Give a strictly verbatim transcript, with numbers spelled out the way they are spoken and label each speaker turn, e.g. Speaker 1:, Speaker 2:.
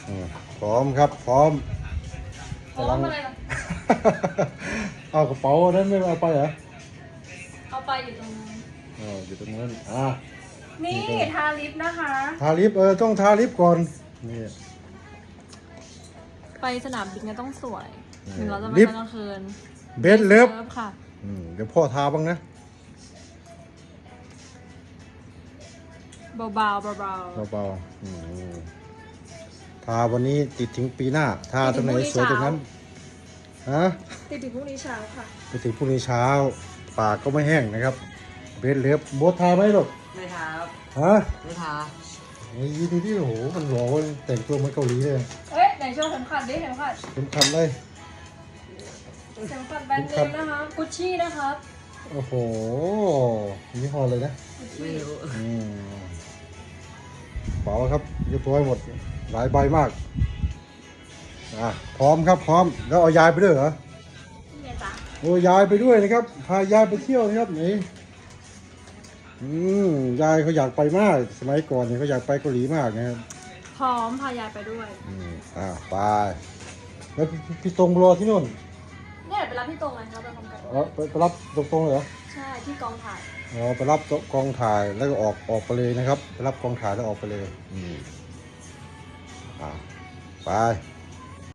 Speaker 1: อืมพร้อมครับพร้อม
Speaker 2: พร้อมอะไรล่ะ
Speaker 1: เอากระเป๋านั้นไม่เอาไปเหรอ
Speaker 2: เอาไปอยู่ตรงนั้น
Speaker 1: อ๋ออยู่ตรงนั้นอ่ะ
Speaker 2: นี่ทาลิปนะคะ
Speaker 1: ทาลิปเออต้องทาลิปก่อนนี่
Speaker 2: ไปสนามบินก็ต้องสวย
Speaker 1: เออ
Speaker 2: ถึงเราจะไป
Speaker 1: ลิป
Speaker 2: ตอนกลางคืน
Speaker 1: เบสเลิฟ
Speaker 2: ค่ะ
Speaker 1: อืมเดี๋ยวพ่อทาบ้างนะ
Speaker 2: เบาๆเบา
Speaker 1: เบาๆอืมทาวันนี้ติดถึงปีหน้าทาตรงไหนสวยตรงนั้นฮะ
Speaker 2: ๆติดถึงพรุ่งนี้เช้าค่ะ
Speaker 1: ไปถึงพรุ่งนี้เช้าปากก็ไม่แห้งนะครับเบสเลิฟโบททาไหมลูก
Speaker 3: ไม่ทาครับ
Speaker 1: ฮะ
Speaker 3: ไม่ทา
Speaker 1: นี่ดูดิโอ้โหมันหล่อเว้ยแต่งตัวเหมือนเกาหลีเลย
Speaker 2: เอ้ยไหนโชว์เข็มขัดดิเข็มขัด
Speaker 1: เป็นคันเลย
Speaker 2: เข็มขัดแบรนด์เนมนะคะกุชชี่นะครับ
Speaker 1: โอ้โหยี่ห้อเลยนะ
Speaker 3: ไม่รู้
Speaker 1: อืมเป๋าครับเรียบร้อยหมดหลายใบมากอ่ะพร้อมครับพร้อมแล้วเอายายไปด้วยเหรอ
Speaker 2: นี่ไงจ๊ะ
Speaker 1: โอ้ยายไปด้วยนะครับพายายไปเที่ยวนะครับนี่อืมยายเขาอยากไปมากสมัยก่อนเนี่ยเขาอยากไปเกาหลีมากนะครับ
Speaker 2: พร้อมพายายไปด้วย
Speaker 1: อืมอ่าไปแล้วพี่พี่ตรงรอที่นู่น
Speaker 2: เนี่ยไปรับพี่ตรงไงครับไปพร้อมกัน
Speaker 1: เออไปไปรับตรงๆเลยเหรอ
Speaker 2: ใช่ที่กองถ่าย
Speaker 1: อ๋อไปรับกองถ่ายแล้วก็ออกออกไปเลยนะครับไปรับกองถ่ายแล้วออกไปเลย อืมอ่าไป